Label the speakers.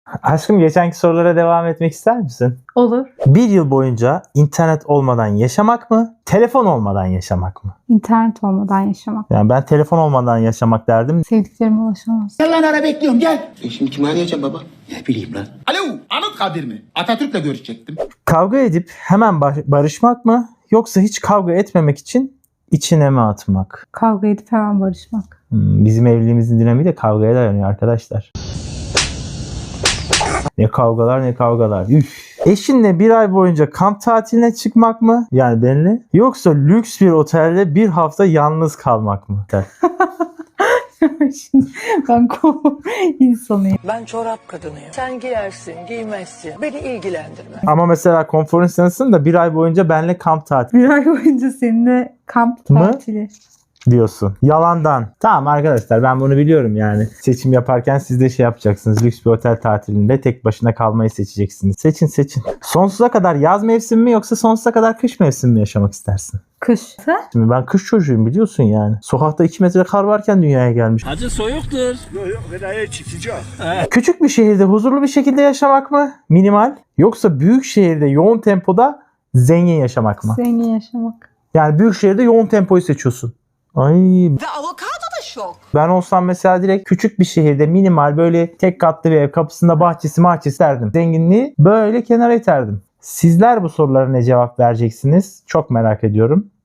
Speaker 1: Aşkım geçenki sorulara devam etmek ister misin?
Speaker 2: Olur.
Speaker 1: Bir yıl boyunca internet olmadan yaşamak mı? Telefon olmadan yaşamak mı?
Speaker 2: İnternet olmadan yaşamak.
Speaker 1: Yani ben telefon olmadan yaşamak derdim.
Speaker 2: Sevdiklerime ulaşamaz.
Speaker 3: Gel lan ara bekliyorum gel. Şimdi kimi arayacağım baba? Ne bileyim lan. Alo Anıtkabir mi? Atatürk'le görüşecektim.
Speaker 1: Kavga edip hemen barışmak mı? Yoksa hiç kavga etmemek için içine mi atmak?
Speaker 2: Kavga edip hemen barışmak.
Speaker 1: Bizim evliliğimizin dinamiği de kavgaya dayanıyor arkadaşlar. Ne kavgalar ne kavgalar. Üf. Eşinle bir ay boyunca kamp tatiline çıkmak mı? Yani benimle. Yoksa lüks bir otelde bir hafta yalnız kalmak mı?
Speaker 2: Şimdi ben konu insanıyım.
Speaker 4: Ben çorap kadınıyım. Sen giyersin, giymezsin. Beni ilgilendirme.
Speaker 1: Ama mesela konfor insanısın da bir ay boyunca benimle kamp tatili
Speaker 2: Bir ay boyunca seninle kamp
Speaker 1: Mı?
Speaker 2: tatili.
Speaker 1: diyorsun. Yalandan. Tamam arkadaşlar ben bunu biliyorum yani. Seçim yaparken siz de şey yapacaksınız. Lüks bir otel tatilinde tek başına kalmayı seçeceksiniz. Seçin. Sonsuza kadar yaz mevsimi mi yoksa sonsuza kadar kış mevsimi mi yaşamak istersin?
Speaker 2: Kış. Sen?
Speaker 1: Şimdi ben kış çocuğuyum biliyorsun yani. Sokakta 2 metre kar varken dünyaya gelmiş.
Speaker 5: Hacı soyuktur.
Speaker 1: Küçük bir şehirde huzurlu bir şekilde yaşamak mı? Minimal. Yoksa büyük şehirde yoğun tempoda zengin yaşamak mı?
Speaker 2: Zengin yaşamak.
Speaker 1: Yani büyük şehirde yoğun tempoyu seçiyorsun. Ay
Speaker 4: Ve avokado da şok.
Speaker 1: ben olsam mesela direkt küçük bir şehirde minimal böyle tek katlı bir ev kapısında bahçesi derdim. Zenginliği böyle kenara iterdim. Sizler bu sorulara ne cevap vereceksiniz? Çok merak ediyorum.